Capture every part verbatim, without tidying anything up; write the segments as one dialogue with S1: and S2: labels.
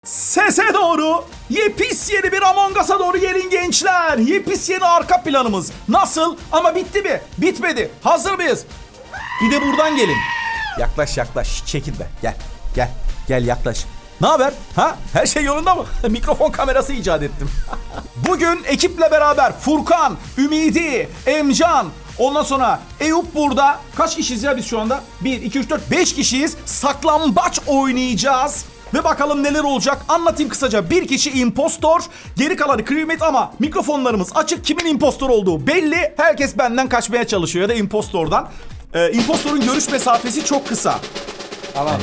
S1: Sese doğru, yepis yeni bir Among Us'a doğru gelin gençler. Yepis yeni arka planımız. Nasıl? Ama bitti mi? Bitmedi. Hazır mıyız? Bir de buradan gelin. Yaklaş yaklaş. Çekil be. Gel. Gel. Gel yaklaş. Ne haber? Ha? Her şey yolunda mı? Mikrofon kamerası icat ettim. Bugün ekiple beraber Furkan, Ümidi, Emcan, ondan sonra Eyüp burada. Kaç kişiyiz ya biz şu anda? bir, iki, üç, dört, beş kişiyiz. Saklambaç oynayacağız. Ve bakalım neler olacak. Anlatayım kısaca. Bir kişi impostor, geri kalanı crewmate ama mikrofonlarımız açık. Kimin impostor olduğu belli. Herkes benden kaçmaya çalışıyor ya da impostordan. Ee, impostorun görüş mesafesi çok kısa.
S2: Tamam.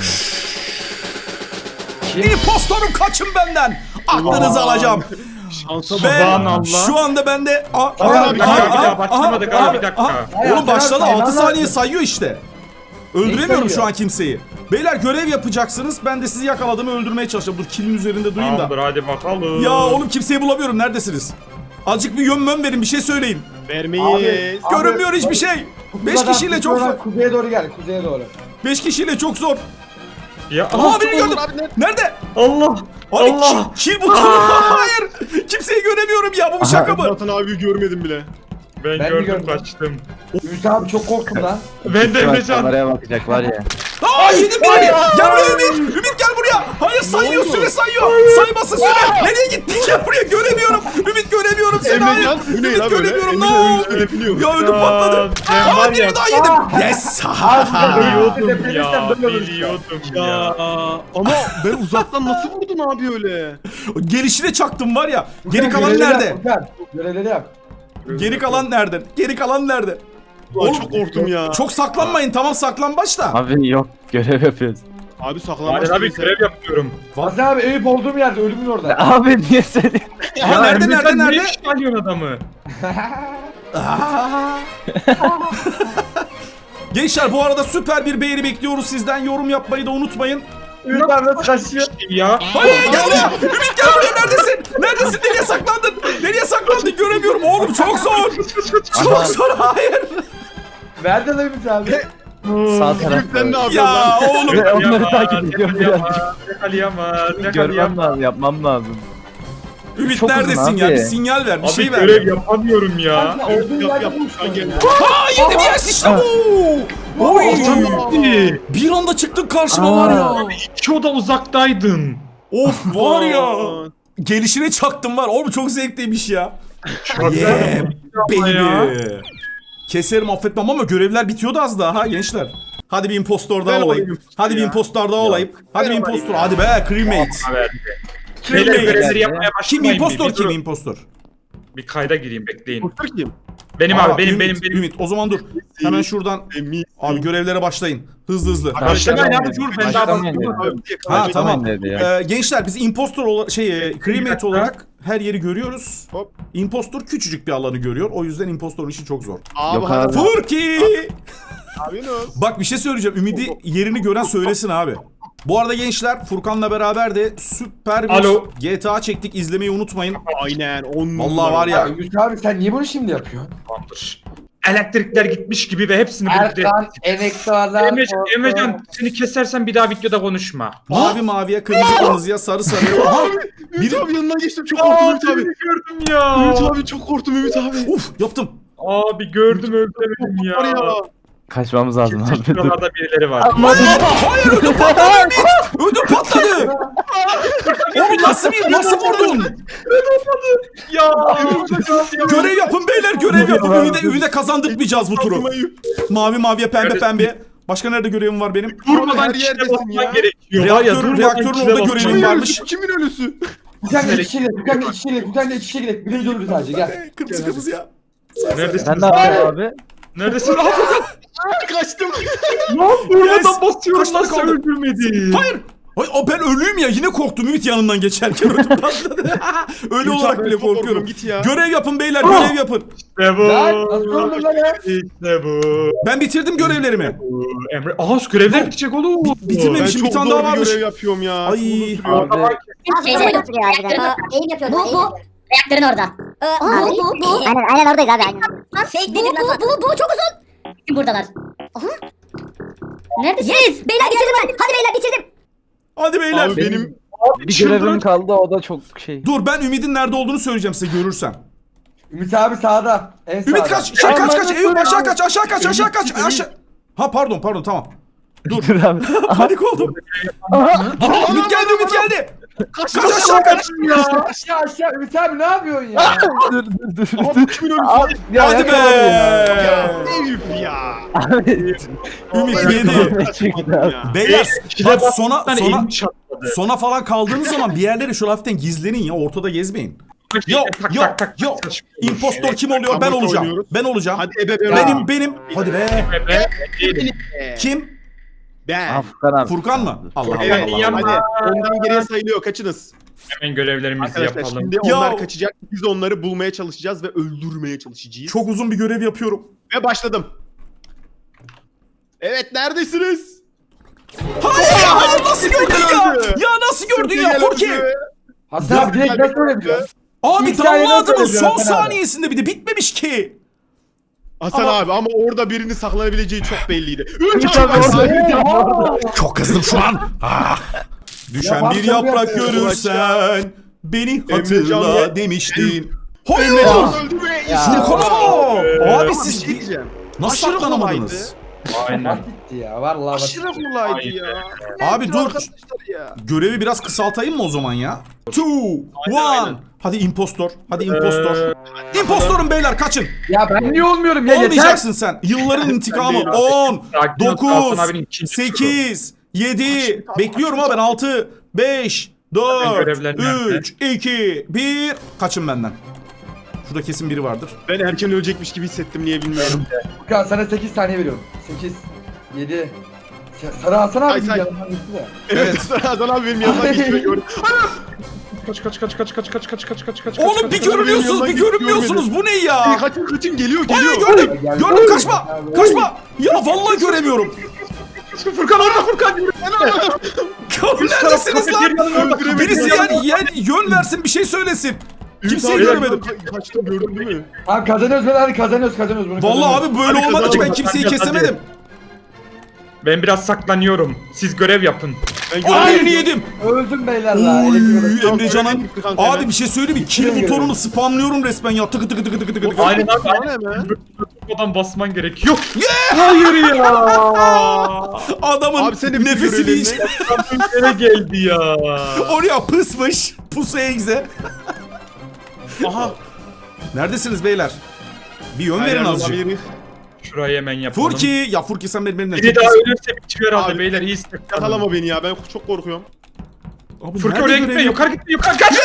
S1: İmpostorum kaçın benden. Aklınızı alacağım.
S3: Şansa
S1: Ve
S3: Allah.
S1: şu anda bende... Aa,
S3: Aa,
S1: aa,
S3: bir
S1: aa,
S3: dakika, bir
S1: aa,
S3: daha başlamadık
S1: aa,
S3: abi, bir dakika.
S1: aa.
S2: Hayır,
S1: Oğlum başladı,
S2: hayır,
S1: altı
S2: hayır.
S1: saniye sayıyor işte. Öldüremiyorum
S2: sayıyor?
S1: şu an kimseyi. Beyler görev yapacaksınız. Ben de sizi yakaladığımı öldürmeye çalışacağım. Dur kilin üzerinde durayım da.
S3: Tamamdır, hadi bakalım.
S1: Ya oğlum kimseyi bulamıyorum. Neredesiniz? Azıcık bir yön mön verin, bir şey söyleyin.
S3: Vermeyiz.
S2: Abi,
S1: Görünmüyor hiçbir şey. Beş kişiyle çok zor.
S2: Kuzeye doğru gel, kuzeye doğru.
S1: Beş kişiyle çok zor.
S3: Ya
S1: Aha beni gördüm. Nerede?
S3: Allah.
S1: Abi
S3: Allah.
S1: kill, kill butonu. Hayır. Kimseyi göremiyorum ya. Bu bir şaka mı?
S4: Vatan abi görmedim bile.
S3: Ben,
S2: Ben
S3: gördüm,
S2: gördüm.
S3: kaçtım.
S2: Ümit abi çok korktum lan.
S3: Ben de
S5: Bak,
S3: Emrecan.
S5: kameraya bakacak var ya.
S1: Aa yedim beni. Gel buraya Ümit. Ümit gel buraya. Hayır sayıyor, süre sayıyor. Saymasın süre. Nereye gittin? Gel buraya, göremiyorum. Ümit göremiyorum seni. Hayır.
S4: Emrecan bu ne
S1: Ümit
S4: ya böyle?
S1: göremiyorum. Ne
S4: Emrecan
S1: oldu?
S4: üstüne biniyor.
S1: Ya ödüm patladı.
S3: Ben
S1: Aa
S3: var ya.
S1: birini daha yedim. Yes.
S3: Biliyordum ya.
S2: Tepemizden böyle olur.
S3: Biliyordum
S4: Ya
S3: ya.
S4: ama ben uzaktan nasıl vurdun abi öyle?
S1: Gelişine çaktım var ya. Geri
S2: Furkan,
S1: kalan
S2: görevleri
S1: nerede?
S2: yap, Furkan. Görevleri yap.
S1: Geri kalan nerede? Geri kalan nerede?
S4: Ulan çok korktum ya.
S1: Çok saklanmayın. Tamam saklambaç da.
S5: Abi yok görev yapıyoruz.
S4: Abi saklanmaç
S3: Hadi abi
S4: değilse-
S3: görev yapıyorum.
S2: Hasan abi Eyüp olduğum yerde, ölümün orada.
S5: Abi niye söylüyorsun?
S1: Aha nerede
S3: Emrecan,
S1: nerede
S3: niye
S1: nerede?
S3: çıkarıyorsun adamı?
S1: Aa. Gençler bu arada süper bir beğeni bekliyoruz sizden. Yorum yapmayı da unutmayın.
S2: Ümit abi nasıl kaçıyor?
S3: Ya.
S1: Hayır gel buraya. Ümit gel buraya, neredesin? Neredesin? Nereye saklandın? Nereye saklandın? Göremiyorum oğlum, çok zor. Çok zor, hayır.
S2: Nerede lan Ümit abi?
S5: Sağ
S4: Ümit sen
S5: tarafta.
S4: ne yapıyorsun
S1: Ya
S4: lan?
S1: oğlum.
S5: Ve onları
S3: Yakamaz,
S5: takip ediyorum birazcık.
S3: Yakalayamaz.
S5: Görmem
S3: Yakalayamaz.
S5: lazım, yapmam lazım.
S1: Ümit
S5: Çok uzun
S1: neredesin ya?
S5: abi.
S1: Bir sinyal ver, bir
S3: Abi
S1: şey ver.
S3: görev yapamıyorum ya.
S2: Kanka, olduğun
S4: Yap
S2: yerde
S4: yap
S2: buluştun
S4: sen gel.
S2: ya.
S1: Aa yedim, yes işte bu. Oy.
S3: Abi,
S1: Bir anda çıktın karşıma var ya.
S3: İki oda uzaktaydın.
S1: Of var ya.
S4: Aman.
S1: Gelişine çaktım var. Oğlum çok zevkliymiş ya.
S3: Çok
S1: Yeah
S3: güzel ya.
S1: baby. Keserim affetmem ama görevler bitiyordu az daha ha gençler. Hadi bir impostor daha
S4: Ver
S1: olayım.
S4: bakayım
S1: Hadi bir
S4: ya.
S1: impostor daha olayım. Hadi bir
S4: Ver
S1: impostor.
S4: bakayım
S1: Hadi be crewmate.
S3: Verdi. Beyler
S1: Crewmate.
S3: görevleri yapmaya
S1: Kim
S3: başlamayın.
S1: impostor
S3: bir, bir
S1: kim
S3: durun.
S1: impostor?
S3: Bir kayda gireyim, bekleyin.
S4: Kusur kim?
S3: Benim
S1: Aa,
S3: abi, benim,
S1: Ümit,
S3: benim, benim.
S1: Ümit o zaman dur. Hemen şuradan
S4: Emin.
S1: abi görevlere başlayın. Hızlı hızlı.
S3: Başlamayın abi, dur ben daha
S5: Başlamayın
S3: bakıyorum.
S5: dedi.
S1: Ha
S4: Abi,
S1: tamam.
S5: dedi ya.
S1: Ee, gençler biz impostor olarak şey e, crewmate olarak her yeri görüyoruz.
S4: Hop.
S1: Impostor küçücük bir alanı görüyor. O yüzden impostorun işi çok zor.
S4: Abi
S5: Yok
S4: hadi.
S5: abi.
S1: Furki!
S4: Abi ne olsun?
S1: Bak bir şey söyleyeceğim. Ümidi yerini gören söylesin abi. Bu arada gençler Furkan'la beraber de süper bir
S3: Alo.
S1: G T A çektik. İzlemeyi unutmayın.
S4: Aynen on
S1: Vallahi var
S2: Ya
S1: ya.
S2: Ümit abi sen niye bunu şimdi yapıyorsun?
S3: Tamamdır. Elektrikler gitmiş gibi ve hepsini birlikte...
S2: Erkan, Enektar'dan...
S3: Emrecan, Emrecan seni kesersen bir daha videoda konuşma.
S1: Mavi maviye, kırmızı kırmızıya, sarı sarıya. Aha!
S4: Ümit
S1: Bir-
S4: abi yanından geçtim çok korktum Ümit abi.
S3: gördüm ya.
S4: Ümit abi çok korktum Ümit abi.
S1: Uf yaptım.
S3: Abi gördüm, öldüremedim
S4: Var
S3: ya.
S4: ya.
S5: Kaçmamız lazım abi. Dur.
S3: Şuralarda birileri var.
S1: Hayır ödüm patladı Ümit. Ödüm patladı. Oğlum nasıl bir nasıl vurdun?
S3: Ya.
S1: Görev yapın beyler, görev yapın. Ümide, Ümide kazandırmayacağız bu turu.
S4: Kazmayı.
S1: Mavi maviye, pembe
S3: Evet.
S1: pembe. Başka nerede görevim var benim?
S3: Durmadan
S4: her
S3: kişide
S4: yerdesin
S3: basman
S4: ya.
S3: gerekiyor. Var ya,
S1: Reaktör-
S3: durmadan
S1: reaktörün
S3: kişide
S1: orada
S3: basman
S1: görevim
S4: Kimin
S1: var.
S4: ölüsü? Kimin ölüsü?
S2: Furkan da içeri, Furkan da içeri, Furkan da içeri gidelim. Bir de ölürüz sadece gel.
S1: Kırmızı kırmızı ya.
S3: Neredesin?
S5: Sen ne yapıyorsun abi?
S3: Neredesin?
S4: Kaçtım.
S3: Durmadan basıyorum,
S1: Kaç tane
S3: nasıl
S1: kaldı?
S3: öldürmedi?
S1: Hayır. Ay, o ben ölüyüm ya, yine korktum Ümit yanından geçerken ödüm patladı. Ölü
S4: Ümit
S1: olarak
S4: abi,
S1: bile
S4: çok korkuyorum,
S1: korkuyorum.
S4: git ya.
S1: Görev yapın beyler, görev yapın.
S3: İşte bu.
S2: Lan nasıl öldün lan ya?
S3: İşte bu.
S1: Ben bitirdim görevlerimi.
S3: Emre, aha şu görevler bitecek oğlum.
S1: bitirmemiş.
S4: Ben
S1: Şimdi bir
S4: çok
S1: tane
S4: zor
S1: daha
S4: bir
S1: varmış.
S4: görev yapıyorum ya.
S1: Ay.
S4: Uzun sürüyor.
S5: Abi
S6: Şeyde götürüyor harbiden. Aa, eğim yapıyordu. Bu bu. Reaktörün orada.
S7: Aa, bu, bu, bu.
S6: Aynen aynen oradayız abi aynen.
S7: Lan fake nedir lan? Bu, bu, bu çok uzun.
S6: Buradalar. Aha. Neredesiniz?
S7: Yes. Beyler bitirdim ben. Hadi beyler bitirdim.
S1: Hadi beyler.
S4: Abi benim
S5: Bir görevim kaldı o da çok şey.
S1: Dur ben Ümit'in nerede olduğunu söyleyeceğim size görürsem.
S2: Ümit abi sağda. En sağda.
S1: Ümit kaç, şey, kaç kaç, Eyüp aşağı kaç, aşağı kaç, aşağı kaç, aşağı. Ha pardon, pardon tamam. Dur.
S5: Dur abi.
S1: Panik oldum. Ümit geldi, Ümit geldi. Kaç aşağı kaç.
S2: Aşağı aşağı. Ümit abi ne yapıyorsun ya?
S5: dur dur dur.
S4: Ama
S5: dur.
S4: bu kimin ölümsü?
S5: Abi, ya,
S1: Hadi be.
S5: yakaladım
S4: Eyüp ya.
S5: Abi.
S1: Ümit
S5: Ne
S1: yedi.
S5: çıktı abi?
S1: Beyler
S3: İkide
S1: bak
S3: bak,
S1: sona
S3: bir tane
S1: sona
S3: elim çatladı.
S1: sona falan kaldığınız zaman bir yerlere şu hafiften gizlenin ya, ortada gezmeyin. Yo
S3: Tak,
S1: yo
S3: tak, tak,
S1: yo.
S3: tak.
S1: İmpostor kim oluyor? Ben
S4: Kabak
S1: olacağım.
S4: oynuyoruz.
S1: Ben olacağım.
S4: Hadi ebe be.
S1: Benim benim. Hadi be.
S3: Be, değilim.
S1: Kim?
S4: Ben.
S5: Ah, Furkan abi.
S1: Furkan mı? Allah Allah
S4: Evet,
S1: Allah. Allah.
S4: hadi. Ondan geriye sayılıyor. Kaçınız?
S3: Hemen görevlerimizi
S4: Arkadaşlar
S3: yapalım.
S4: şimdi
S1: Ya.
S4: onlar kaçacak. Biz onları bulmaya çalışacağız ve öldürmeye çalışacağız.
S1: Çok uzun bir görev yapıyorum.
S4: Ve başladım. Evet neredesiniz?
S1: Hayır ya, nasıl gördün ya? Ya nasıl gördün ya Furki?
S2: Hasan abi direkt nasıl öyle biliyor?
S1: Abi
S2: İlk saniyeden
S1: damladınız
S2: söylüyor
S1: son
S2: Hasan abi.
S1: saniyesinde bir de bitmemiş ki.
S4: Hasan
S1: Ama-
S4: abi ama orada birinin saklanabileceği çok belliydi. Üç
S5: Ümit
S4: abi
S5: abi
S4: bak.
S5: orada.
S1: Çok kızdım şu an. Ah. Düşen
S2: Ya
S1: bir
S2: bak,
S1: yaprak
S2: tabii
S1: görürsen beni hatırla
S4: Emrecan-
S1: demiştin. Hayır.
S4: Emrecan öldü ve
S2: Ya.
S1: Furkan'a bak. Abi
S4: Ama
S1: siz
S4: bir şey diyeceğim.
S1: nasıl
S4: aşırı
S1: saklanamadınız?
S3: Aynen.
S2: Basitti ya vallahi
S4: Aşırı
S2: basit.
S4: kolaydı ya.
S1: Abi
S4: Nedir
S1: dur.
S4: arkadaşlar ya?
S1: Görevi biraz kısaltayım mı o zaman ya? Two,
S4: Aynen,
S1: one.
S4: aynen.
S1: Hadi impostor. Hadi impostor. İmpostorum beyler kaçın.
S2: Ya ben niye olmuyorum ya yeter.
S1: Olmayacaksın sen. Yılların intikamı.
S3: değilim abi.
S1: on,
S3: Sakin ol,
S1: dokuz,
S3: Hasan abinin ikinci
S1: sekiz, yedi. Bekliyorum ha ben. altı, beş,
S3: Zaten
S1: dört,
S3: görevler nerede?
S1: üç, iki, bir. Kaçın benden. Şurada kesin biri vardır.
S4: Ben erken ölecekmiş gibi hissettim niye bilmiyorum.
S2: Furkan sana sekiz saniye veriyorum. sekiz, yedi. Sarı Hasan
S4: Ay,
S2: abi
S4: say.
S2: yanından gitti de.
S4: Evet Hasan abi benim yanımdan geçti ve gördüm.
S3: Kaç kaç kaç kaç kaç kaç kaç kaç kaç kaç.
S1: Oğlum bir görünüyorsunuz bir görünmüyorsunuz. Bu ne ya?
S4: Kaçın kaçın geliyor
S1: Hayır
S4: geliyor.
S1: gördüm.
S2: Geldi.
S1: Gördüm kaçma. Kaçma. Ya vallahi göremiyorum.
S3: Furkan orada Furkan.
S1: Neredesiniz lan?
S4: Öldüremedim.
S1: Birisi yani, yani yön versin bir şey söylesin. Kimseyi
S4: Ümit abi,
S1: göremedim.
S4: ka- Kaçtım gördün değil mi?
S2: Tamam kazanıyoruz ben hadi kazanıyoruz kazanıyoruz bunu.
S1: Vallahi
S2: kazanıyoruz.
S1: abi böyle
S4: Hadi
S1: olmadı ki ben
S4: kazanalım.
S1: kimseyi
S3: Hadi, hadi.
S1: kesemedim.
S3: Ben biraz saklanıyorum. Siz görev yapın.
S4: Ben
S1: Aynı yedim.
S2: Öldüm beyler la. elektrik odası.
S1: Oy Emrecan'ın.
S4: Gitti kanka hemen.
S1: Abi bir şey söyleyeyim mi? Kill butonunu spamlıyorum resmen ya. Tıkı tıkı tıkı tıkı tıkı tıkı.
S3: Aynen abi.
S4: Bana ne mi?
S3: Buradan basman gerekiyor. Hayır ya.
S1: Adamın
S4: Abi sen de bitir
S1: nefesini
S4: görevlerini.
S1: hiç
S3: Nereye geldi ya?
S1: oraya pısmış. Pusu egze.
S4: Aha.
S1: Neredesiniz beyler? Bir yön verin azıcık.
S4: Olabilir.
S3: Şurayı hemen yapalım.
S1: Furki. Ya Furki sen benim elimden
S3: Biri
S1: çok
S3: daha
S1: iyisin.
S3: ölürse bitiyor herhalde
S4: Abi,
S3: beyler. İyi
S4: Yakalama beni ya ben çok korkuyorum.
S1: Abi
S3: Furki
S1: nerede
S3: oraya
S1: görev
S3: gitme.
S1: yok?
S3: Yukarı gitme. Yukarı kaç.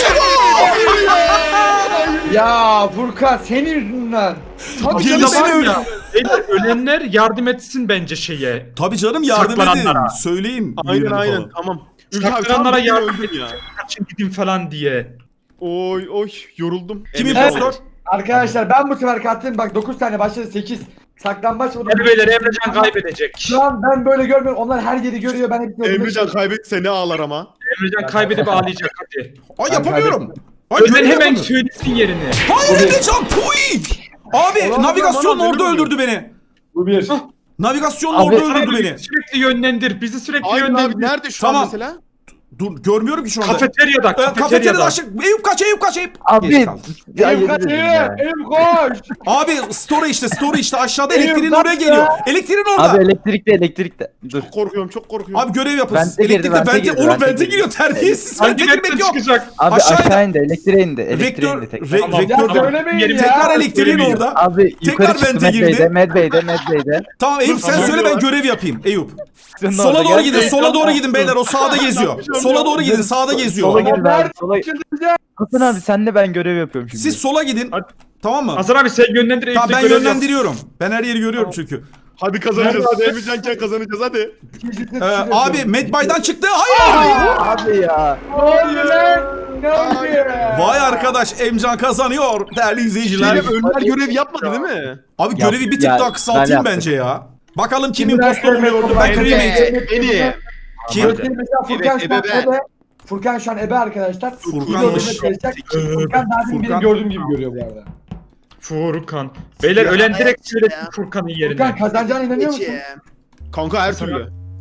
S2: Ya Furkan senin yüzünden.
S3: Tabii
S1: Geldi
S3: canım,
S1: seni
S3: var
S1: öldü.
S3: ya. Beyler ölenler yardım etsin bence şeye.
S1: Tabii canım yardım edin.
S3: Saklananlara.
S1: Söyleyin.
S4: Aynen
S1: yerini
S4: aynen
S1: falan.
S4: tamam. Ümit abi tam
S3: Saklananlara
S4: beni
S3: yardım
S4: öldün
S3: edin.
S4: ya.
S3: Kaçın gidin falan diye.
S4: Oy oy yoruldum.
S1: Kim
S4: Evet.
S1: impostor?
S2: Arkadaşlar ben bu sefer kattım bak dokuz tane başladı sekiz. Saklambaç oldu.
S3: Hadi beyler Emrecan kaybedecek.
S2: Şu an ben böyle görmüyorum. Onlar her yeri görüyor. Ben hepsini
S4: Emrecan kaybetse ne ağlar ama.
S3: Emrecan kaybedip ağlayacak hadi.
S1: Ay yapamıyorum. Ay
S3: Önden
S1: görev
S3: hemen
S1: yapamıyorum.
S3: söylesin yerini.
S1: Hayır Emrecan puy. Abi
S4: Ulan,
S1: navigasyon
S4: bana
S1: orada
S4: benim
S1: öldürdü beni.
S2: Bu bir.
S1: Navigasyon
S5: Abi-
S1: orada öldürdü beni.
S3: Sürekli yönlendir. Bizi sürekli
S4: Aynen abi
S3: yönlendir.
S4: nerede şu
S1: Tamam.
S4: an mesela?
S1: Dur görmüyorum ki şu anda.
S3: Kafeteryada.
S1: Ee, kafeteryada
S3: Kafeteryada.
S1: aşık. Eyüp kaç Eyüp kaç Eyüp.
S5: Abi.
S1: Geç kaldım.
S5: Ya
S2: Eyüp
S5: yemin
S2: kaç
S5: ederim
S2: Eyüp.
S5: ya.
S2: Eyüp koş.
S1: Abi story işte story işte aşağıda
S2: Eyüp,
S1: elektriğin
S2: bak
S1: oraya
S2: ya.
S1: geliyor. Elektriğin orada.
S5: Abi elektrikte elektrikte. Dur.
S4: Çok korkuyorum çok korkuyorum.
S1: Abi görev yapın.
S5: Vente girdi,
S1: Elektrikte
S5: vente
S1: vente.
S5: girdi,
S1: Oğlum
S5: vente
S1: vente
S5: girdi.
S1: giriyor terbiyesiz. Vente
S3: Hangi
S1: girmek
S3: renkten
S1: yok.
S3: çıkacak?
S5: Abi
S1: Aşağıda.
S5: aşağı indi elektriğe indi. Elektriğe
S1: Rektör,
S5: indi tek.
S1: re,
S3: Tamam,
S1: rektör.
S3: tamam.
S2: Söylemeyin
S3: Yerim
S2: ya.
S1: Tekrar elektriğin
S3: Söylemeyeceğim.
S1: orada.
S5: Abi
S1: Tekrar
S5: yukarı çıktı
S1: vente
S5: Medbey'de,
S1: girdi.
S5: Medbey'de, Medbey'de.
S1: Tamam Eyüp sen
S3: Tamam.
S1: söyle ben görev yapayım Eyüp.
S5: Senin
S1: Sola
S5: orada
S1: doğru
S5: gel.
S1: gidin, sola doğru gidin beyler. O sağda geziyor.
S4: yapacağım
S1: Sola
S4: ya?
S1: doğru gidin, sağda geziyor.
S5: Sola gel
S2: Nerede?
S5: ben. Sola.
S2: Çıldıracağım.
S5: Hasan abi senle ben görev yapıyorum şimdi.
S1: Siz sola gidin.
S3: Hadi.
S1: Tamam mı?
S3: Hasan abi sen yönlendir.
S1: Tamam
S3: Eyüp'le
S1: ben
S3: görev yap.
S1: yönlendiriyorum. Ben her yeri görüyorum çünkü.
S4: Hadi kazanacağız hadi Emrecanken kazanacağız hadi.
S1: Ee, abi Medbay'dan çıktı. Hayır.
S5: Abi ya.
S2: Ne oluyor lan? Ne oluyor?
S1: Vay arkadaş Emcan kazanıyor değerli izleyiciler.
S4: Şeyle Önler görev yapmadı değil mi?
S1: Abi
S5: Yap-
S1: görevi bir tık
S5: ya,
S1: daha
S5: ben
S1: kısaltayım
S5: yaptım.
S1: bence ya. Bakalım kim
S2: Şimdi
S1: impostor
S2: ben-
S1: oluyordu. Ben
S2: Evet.
S1: cremate.
S4: Beni.
S1: Kim?
S2: Mesela Furkan
S4: Evet,
S2: şu an
S4: ebe.
S2: ebe. Furkan şu an ebe arkadaşlar.
S1: Furkan'mış.
S2: Furkan Furkan daha demin
S1: Furkan.
S2: benim gördüğüm gibi görüyor bu arada.
S3: Furkan. Beyler
S4: Ya,
S3: ölen direkt
S4: evet
S3: söylesin
S4: ya.
S3: Furkan'ın
S2: Furkan
S3: yerine.
S2: kazanacağına inanıyor musun?
S4: Kanka her türlü.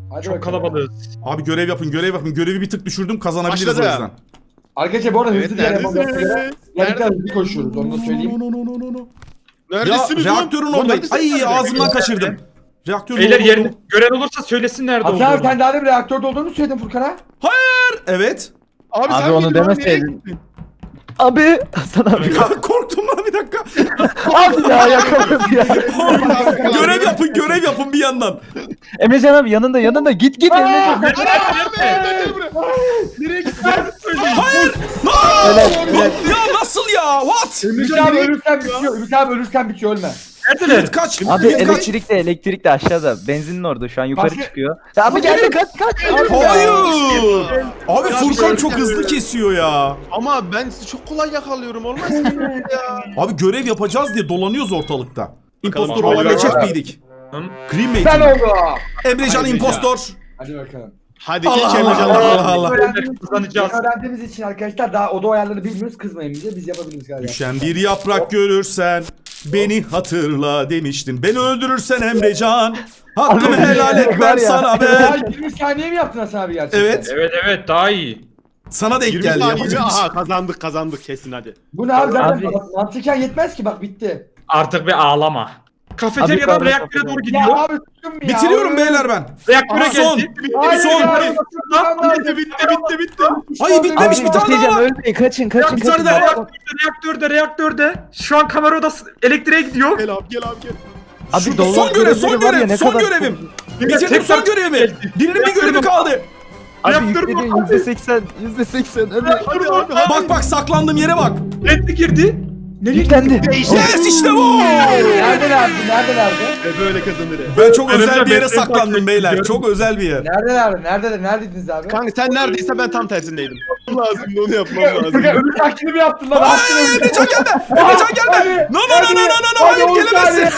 S2: Hadi
S3: Çok
S2: bakalım.
S3: kalabalığız.
S1: Abi görev yapın görev yapın. Görevi bir tık düşürdüm kazanabiliriz
S4: Başladı.
S1: o yüzden.
S2: Arkadaşlar bu arada
S4: Evet,
S2: hızlı diğer
S4: neredesiniz?
S2: yapamazsınız. Gerçekten hızlı koşuyoruz onu da söyleyeyim.
S1: No, no, no, no, no, no. Ya
S4: Neredesiniz lan?
S1: reaktörün
S4: Lan
S1: oradayım.
S4: neredesiniz?
S1: Ay ağzımdan kaçırdım. Reaktörün
S3: Beyler
S1: orada
S3: yerini
S1: olduğunu-
S3: gören olursa söylesin nerede
S2: Hasan abi
S3: olduğunu.
S2: sen daha da bir reaktörde olduğunu söyledin Furkan'a.
S1: Evet.
S4: Abi,
S5: Abi
S4: sen
S5: onu
S4: miydin lan? Nereye
S5: demeseydin.
S4: gittin?
S5: Abi Hasan abi.
S1: Korktum lan bir dakika.
S5: Abi ya yakaladım ya.
S1: Görev yapın görev yapın bir yandan.
S5: Emrecan abi yanında yanında git git Emrecan.
S4: Nereye gittin?
S1: Hayır.
S5: Helal, helal.
S1: Ya nasıl ya? What?
S2: Ümit abi ölürsen bitiyor. Ümit abi ölürsen bitiyor ölme.
S3: Neredeler?
S1: Kaç.
S5: Abi
S1: Ümit kaç.
S5: elektrik de elektrik de aşağıda. Benzinin orada şu an yukarı
S2: Başka-
S5: çıkıyor. Ya abi geldi kaç kaç. Abi ya.
S1: Hayır. Abi
S4: Ya
S1: Furkan
S4: bir
S1: çok
S4: şey-
S1: hızlı kesiyor ya.
S4: Ama ben sizi çok kolay yakalıyorum olmaz mı ya?
S1: Abi görev yapacağız diye dolanıyoruz ortalıkta. İmpostor
S3: Bakalım.
S1: olabilecek
S2: Hayır.
S1: miydik?
S3: Hı?
S1: Cremate.
S2: Ben oldu.
S1: Emrecan
S4: Hayır
S1: impostor.
S2: Hadi bakalım.
S4: Hadi
S1: Allah
S4: geç
S1: Allah
S4: Emrecan.
S1: Allah
S4: Allah.
S1: Allah Allah.
S2: Öğrendiğimiz,
S3: Kazanacağız.
S2: öğrendiğimiz için arkadaşlar daha oda ayarlarını bilmiyoruz kızmayın bize biz yapabiliriz galiba.
S1: Düşen bir yaprak görürsen beni hatırla demiştin. Beni öldürürsen Emrecan. Hakkımı
S5: Abi,
S1: helal et
S5: var
S1: ben
S5: ya.
S1: sana
S2: Ya
S1: ben.
S2: yirmi saniye mi yaptın Hasan abi gerçekten?
S1: Evet.
S3: Evet evet daha iyi.
S1: Sana denk
S4: yirmi
S1: geldi.
S4: saniye
S1: yapacak bir şey-
S4: aha kazandık kazandık kesin hadi.
S2: Bu ne abi zaten
S5: Abi.
S2: mantıken yetmez ki bak bitti.
S3: Artık bir ağlama. Kafeteryadan
S5: Abi,
S3: reaktöre doğru
S2: Ya
S3: gidiyor.
S2: abi tuttum ya.
S1: Bitiriyorum beyler ben.
S3: Reaktöre
S1: Aha, son.
S3: geldi.
S2: Hayır
S1: Son.
S2: ya.
S4: Bitti bitti bitti bitti.
S1: Hayır bitmemiş
S5: Abi
S1: bir tane daha
S5: bitireceğim
S1: var.
S5: ölmeyin kaçın kaçın
S1: bir tane
S5: kaçın.
S1: daha var.
S3: Reaktörde reaktörde. Şu an kamera odası elektriğe gidiyor.
S4: Gel abi gel abi gel.
S5: Abi
S1: Şu-
S5: dolar
S1: son görev son
S5: görevleri var ya,
S1: görev
S5: ne
S1: son
S5: kadar
S1: görevim.
S3: Bir
S1: Bitirdim
S3: tekrar-
S1: son görevimi. Birinin bir görevi kaldı.
S5: Abi
S3: Reaktör
S5: yükledi
S3: mü?
S5: yüzde seksen yüzde seksen hadi.
S4: Hadi abi hadi.
S1: Bak bak saklandığım yere bak.
S3: Renkli girdi. Nereye
S5: Yüklendi.
S1: Yes işte bu.
S2: Neredelerdi? Neredelerdi?
S4: Ve böyle kazanır.
S1: Ben çok
S3: Önümde
S1: özel bir yere
S3: mesleği
S1: saklandım
S3: takip
S1: beyler.
S3: ediyorum.
S1: Çok özel bir yer.
S2: Neredelerdi? Neredeler? Neredeydiniz abi?
S4: Kanka sen neredeyse ben tam tersindeydim. lazım onu yapmam
S2: Furkan
S4: lazım.
S2: ölü taklidi mi yaptın lan?
S1: Hayır Emrecan gelme. Emrecan gelme. No no no no no no no hayır gelemezsin.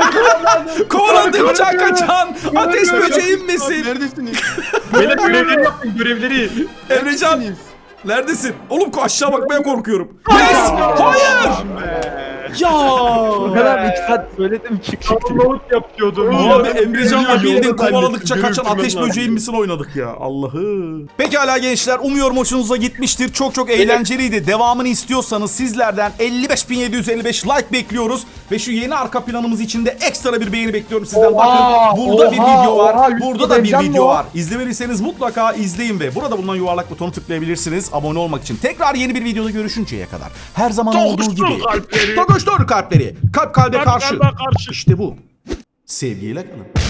S1: Kovaladın can kaçan. Ateş böceğim misin?
S4: Neredesiniz?
S3: Böyle görevleri yapın görevleri.
S1: Emrecan neredesin? Oğlum aşağı bakmaya korkuyorum. Yes. Hayır. Ya.
S5: O kadar bir iki saat söyledim çık çık.
S3: Download yapıyordum.
S1: Abi Emrecan'la
S4: Yolda
S1: bildiğin
S4: zannettim,
S1: kovaladıkça
S4: görüntü
S1: kaçan
S4: ben
S1: ateş
S4: lazım.
S1: böceğin misin oynadık ya Allah'ı. Pekala gençler umuyorum hoşunuza gitmiştir. Çok çok eğlenceliydi. Devamını istiyorsanız sizlerden elli beş bin yedi yüz elli beş like bekliyoruz. Ve şu yeni arka planımız için de ekstra bir beğeni bekliyorum sizden.
S2: Oha,
S1: Bakın burada bir
S2: oha,
S1: video var.
S2: oha, yüz
S1: Burada da bir
S2: izleyeceğim
S1: video
S2: mi o?
S1: var. İzlemediyseniz mutlaka izleyin ve burada bulunan yuvarlak butonu tıklayabilirsiniz. Abone olmak için. Tekrar yeni bir videoda görüşünceye kadar. Her zaman olduğu gibi.
S3: kalpleri.
S1: Tokuştur kalpleri. Kalp kalbe karşı.
S3: kalbe karşı.
S1: İşte bu. Sevgiyle kalın.